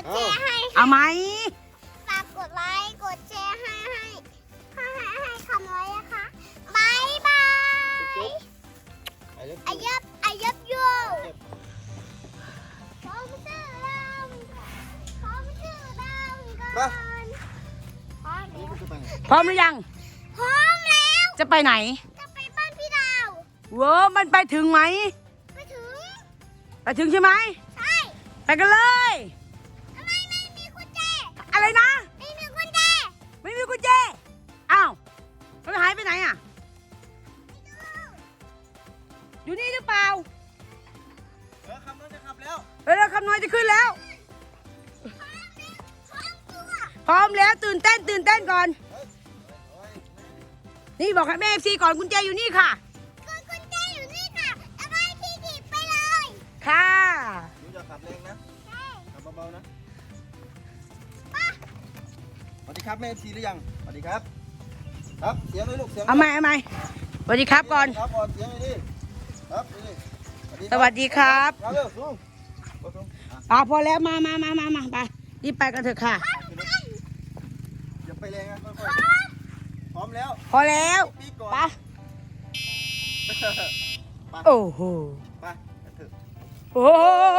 ดแชร์ให้เอาไหมฝากกดไลค์กดแชร์ให้คำไว้นะคะบายบายอายับยูพร้อมชื่อดำก่อนพร้อมหรือยังพร้อมแล้วจะไปไหนจะไปบ้านพี่ดาวเว้อมันไปถึงไหมไปถึงไปถึงใช่ไหมใช่ไปกันเลยทำไมไม่มีกุญแจอะไรนะไม่มีกุญแจไม่มีกุญแจ อ้าว มันหายไปไหนอ่ะ อยู่นี่หรือเปล่าคำน้อยจะขับแล้วเร็วๆคำน้อยจะขึ้นแล้วพร้อมตัวพร้อมแล้วตื่นเต้นก่อน นี่บอกให้แม่เอฟซีก่อนกุญแจอยู่นี่ค่ะกุญแจอยู่นี่ค่ะเอาไปที่ถีบไปเลยค่ะหนูอย่าขับแรงนะใช่ขับเบาๆนะสวัสดีครับแม่ชีหรือยังสวัสดีครับ ครับเสียงเลยลูกเสียงเอาไหมสวัสดีครับก่อนครับก่อนเสียงเลยดิครับนี่สวัสดีครับครับเร็วสูงสูงพอแล้วมาไปรีบไปกันเถอะค่ะอย่าไปแรงนะค่อยๆพร้อมแล้วพอแล้วปีก่อนไปไปโอ้โหไปกันเถอะโอ้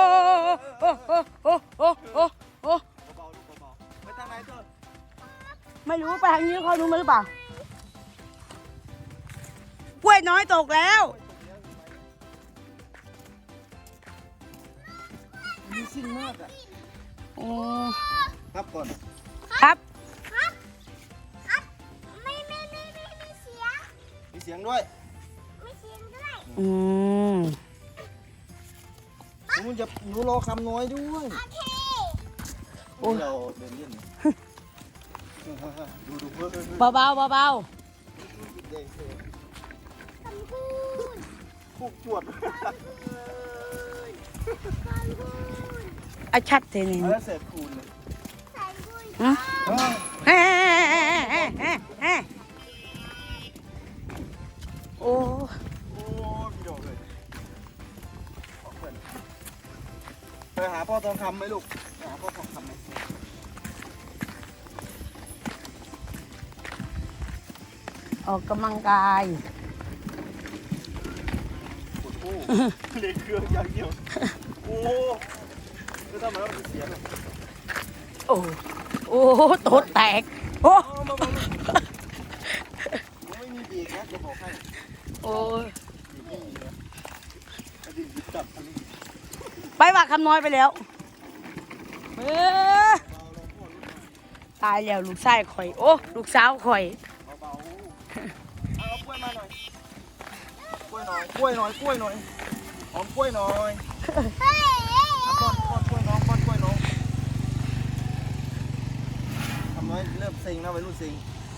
โหเบาๆลูกเบาๆไปทางไหนเถอะไม่รู้ไปทางนี้เขารู้มาหรือเปล่ากล้วยน้อยตกแล้วมีสิ่งมากอ่ะโอ้ครับก่อนครับครับไม่มีเสียงมีเสียงด้วยไม่เสียงด้วยอืมหนูรอคำน้อยด้วยโอเคโอ้เราเดินเล่นดูเพื่อนเบาเด็กคำพูดพูกปวดคำพูดอาชัดเทนี่แล้วเสร็จคูณเลยใส่บุยเฮ้โอ้โอ้พี่ดอกเลยไปหาพ่อทองคำไหมลูกไปหาพ่อทองคำไหมออกกำลังกายปวดคู่เด็กเครื่องอย่างเดียวโอ้ก็ทำไมเราเสียงโอ้โตดแตกโอ้ไม่มีบีกนะจะบอกให้โอ้ไม่มีนะอดีตจับอันนี้ไปว่าคำน้อยไปแล้วตายแล้วลูกชายข่อยโอ้ลูกสาวข่อยเบาๆเอากล้วยมาหน่อยกล้วยหน่อยกล้วยหน่อยกล้วยหน่อยหอมกล้วยหน่อยเฮ้ยป้อนกล้วยน้องป้อนกล้วยน้องทำน้อยเริ่มเซ็งนะวัยรุ่นเซ็ง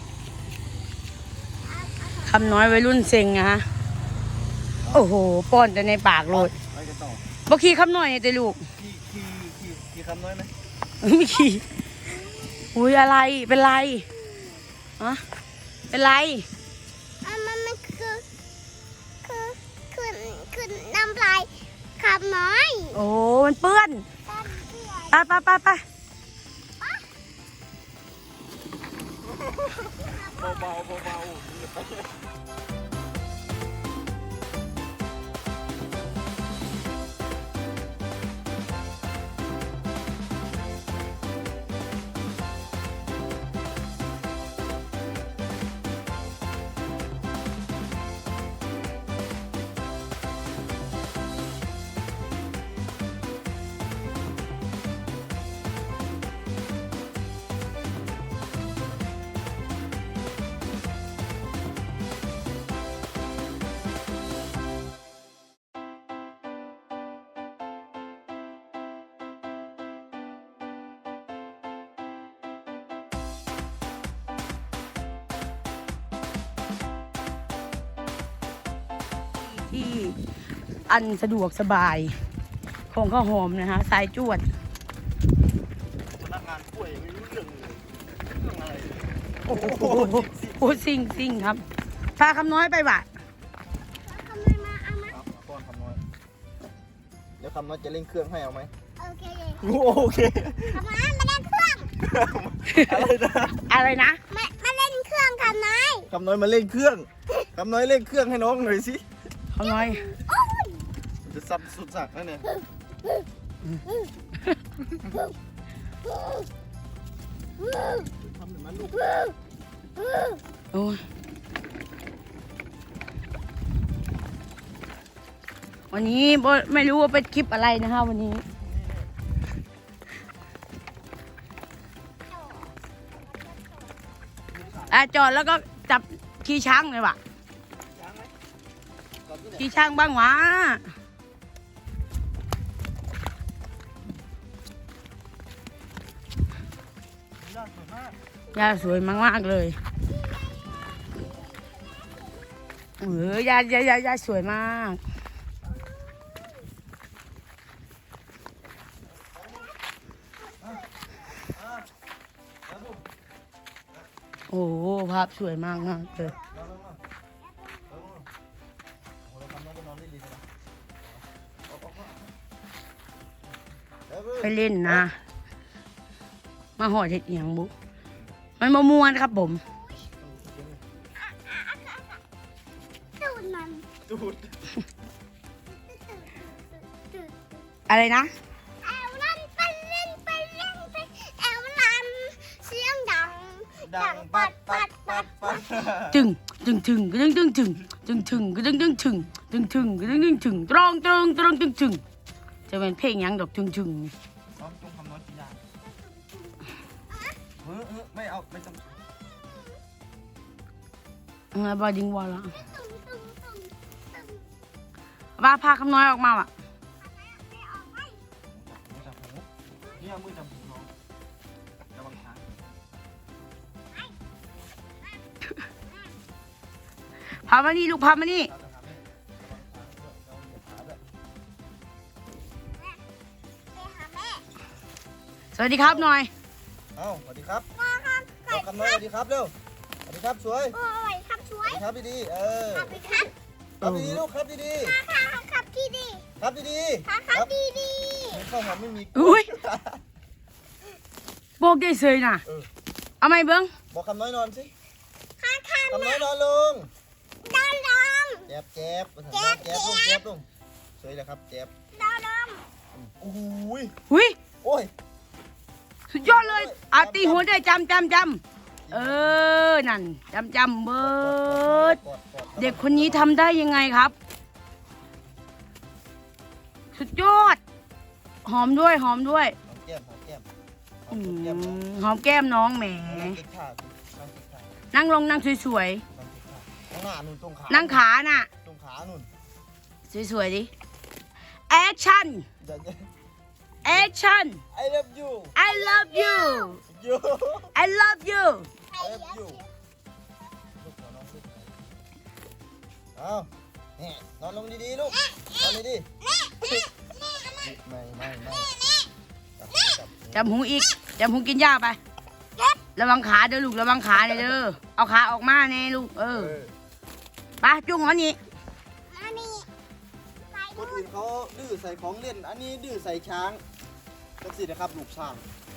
คำน้อยวัยรุ่นเซ็งนะฮะโอ้โหป้อนแต่ในปากโลดไปกันต่อบ่ขี่คำน้อยแต่ลูกขี่คำน้อยไหมไม่ขี่อุ้ยอะไรเป็นไรอะเป็นไรมันคือน้ำลายขับน้อยโอ้มันเปื้อนไปเบาที่อันสะดวกสบายของข้าวหอมนะคะสายจวดพนักงานกล้วยไม่รู้เรื่องเลยเรื่องอะไรโอ้โหซิ่งครับพาคำน้อยไปบ่ะทำไมมาเอามาครับป้อนคำน้อยเดี๋ยวคำน้อยจะเร่งเครื่องให้เอาไหมโอเคงูโอเคทำไมมาเล่นเครื่องอะไรนะอะไรนะมาเล่นเครื่องทำไมคำน้อยมาเล่นเครื่องคำน้อยเล่นเครื่องให้น้องหน่อยสิคำน้อยจะซับสุดสักนั่นเนี่ยทำเหมือนมันลูกโอ้ยวันนี้ไม่รู้ว่าเป็นคลิปอะไรนะคะวันนี้จอดแล้วก็จับขี่ช้างเลยว่ะยังไหมก่อนที่ไหนขี่ช้างบ้างวะยอดสวยมากยาสวยมากๆเลยยาสวยมากโอ้โหภาพสวยมากเลยโอ้เราทำน้องไปนอนได้ดีนะไปเล่นนะ มาหอดเห็ดเอียงบุมันมะม่วนครับผมตูดมันดูดอะไรนะแอวลันไปเล่นไปแอวลันเสียงดังดังปัดปัดปัดปัดจึงจึงถึงกระดึงดึงถึงจึงถึงกระดึงดึงถึงจึงถึงกระดึงดึงถึงตรองตรองตรองจึงถึงจะเป็นเพลงหยังดอกจึงถึงน้องจงทำน้อยกินยาไม่เอาไม่ต้องบอดิงวอลละตุ้มตุ้มตุ้มตุ้มว่าพาคำน้อยออกมาว่ะไม่ออกไปมือจับหูนี่เอามือจับหูน้องระวังช้างพามานี่ลูกพามานี่เราจะทำให้ระวังช้างด้วยเราเหยียบขาด้วยไปหาแม่สวัสดีครับหน่อยเอ้าสวัสดีครับพ่อครับเอาคำน้อยสวัสดีครับเร็วสวัสดีครับสวยโอ้ยครับช่วสวัสยดีครับดีๆครับไปครับครับดีๆลูกครับดีครับที่ดีๆครับดีครับดีดีๆมีข้าวหอมไม่มีอุ้ยโบกได้เสยน่ะ เอาไหมเบิ้งบอกคำน้อยนอนสิค่ะค่ะคำน้อยนอนลงดาวดอมแจ๊บแจ๊บแจ๊บแจ๊บลูกแจ๊บลูกสวยเลยครับแจ๊บดาวดอมโอ้ยหุยโอ้ยสุดยอดเลยตีหัวได้จำนั่นจำเบิร์ดเด็กคนนี้ทำได้ยังไงครับ สุดยอด หอมด้วยหอมด้วยหอมแก้มหอมแก้มหออืมแก้มมหอมแก้มน้องแหมนั่งกินข้าวนั่งกินข้าวนั่งลงนั่งสวยนั่งกินข้าวข้างหน้านู่นตรงขาๆ นั่งขาน่ะตรงขานู่นสวยๆดิ แอคชั่นเดี๋ยวแอคชั่น I love you I love you you I love you I love you ลูกขอน้องสิเอานี่นอนลงดีๆลูกนอนดีๆไม่จับจำหูอีกจำหูกินยาไป ระวังขาเด้อลูกระวังขาเด้อ เอาขาออกมาแน่ลูก ไปจุ้งหัวนี้มานี่ไปคนอื่นเขาดื้อใส่ของเล่น อันนี้ดื้อใส่ช้างจังสินะครับลูกช้าง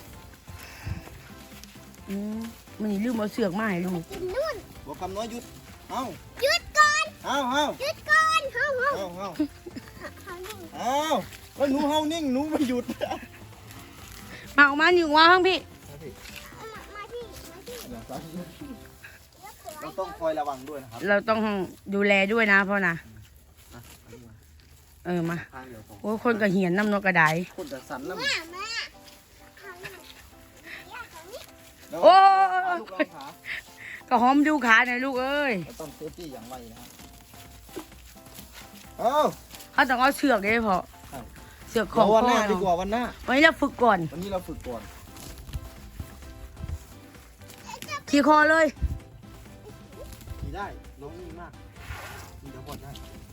มันนี่ลืมเอาเสือกมาให้ลูกกินนู่นบอกคำน้อยหยุด เอ้าหยุดก่อนเอ้าหยุดก่อนเฮ้าเอ้าเฮ้าเอ้าเขาหนึ่งเอ้าแล้วหนูเฮานิ่งหนูไม่หยุดมาออกมาหนึ่งวาข้างพี่มาที่เราต้องคอยระวังด้วยนะครับเราต้องดูแลด้วยนะพ่อนะ มาข้างเดียวของโอ้ยคนกระเหียนน้ำนกกระไดคนจะสั่นน้ำมาเขาหนึ่งเขานี่แล้วโอ้ลูกเราขาก็หอมดูขาหน่อยลูกเอ้ยเราต้องเซฟตี้อย่างไรนะครับเอ้าเขาต้องเอาเสือกเลยพอใช่เสือกขเดี๋อย งววันพ่หอน้าดีกว่าวันหน้าวันนี้เราฝึกก่อนวันนี้เราฝึกก่อนขี่คอเลยขี่ได้น้องนิ่งมากมีเดี๋ยวก่อนได้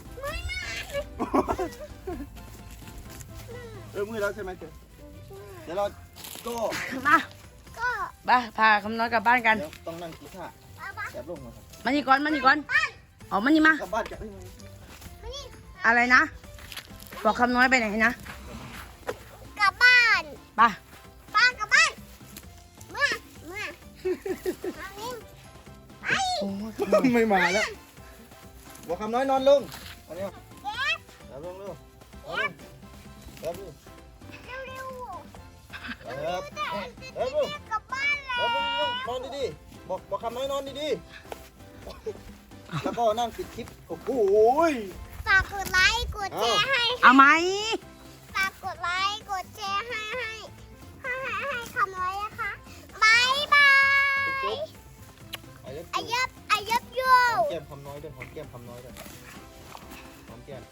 มือแล้วใช่ไหมเจ๊เดี๋ยวเราก็มาก็พาคำน้อยกลับบ้านกันเดี๋ยวต้องนั่งกีตาร์เอาปะแบบลงมาครับมานี่ก่อนมานี่ก่อนอ๋อมานี่มากลับบ้านจะมานี่อะไรนะ บอกคำน้อยไปไหนนะกลับบ้านไปป้ากลับบ้านเมื่อเอานิ่มโอ้ยไม่มาแล้วบอกคำน้อยนอนลงอันนี้แล้วลงเร็วแล้วลงเร็วแล้วๆแต่แล้วลงกลับบ้านแล้วแล้วลงนอนดีๆบอกคำน้อยนอนดีๆแล้วก็นั่งปิดคลิปโอ้โหฝากกดไลค์กดแชร์ให้เอาไหมฝากกดไลค์กดแชร์ให้คำไว้นะคะบายบายไอ้เล็บอายับยูหอมแก้มคำน้อยด้วยหอมแก้มคำน้อยด้วยหอมแก้ม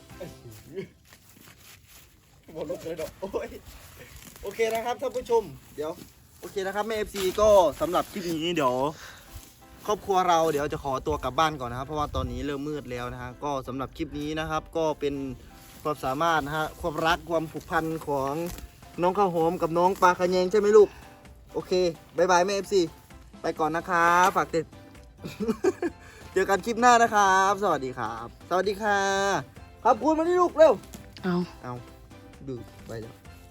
หมดลูกเลยดอกโอ้ยโอเคนะครับท่านผู้ชมเดี๋ยวโอเคนะครับแม่FCก็สำหรับคลิปนี้เดี๋ยวครอบครัวเราเดี๋ยวจะขอตัวกลับบ้านก่อนนะครับเพราะว่าตอนนี้เริ่มมืดแล้วนะฮะก็สำหรับคลิปนี้นะครับก็เป็นความสามารถนะฮะความรักความผูกพันของน้องข้าวหอมกับน้องปลาขะแยงใช่ไหมลูกโอเคบายบายแม่ FC ไปก่อนนะครับฝากติด เจอกันคลิปหน้านะครับ สวัสดีครับ สวัสดีค่ะขอบคุณมาที่ลูกเร็วเอาดูไปแล้ว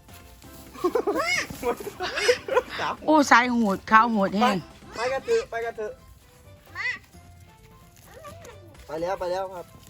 โอ้สายโหดข้าวโหดแห้งไปกันเถอะไปกันเถอะไปแล้วครับ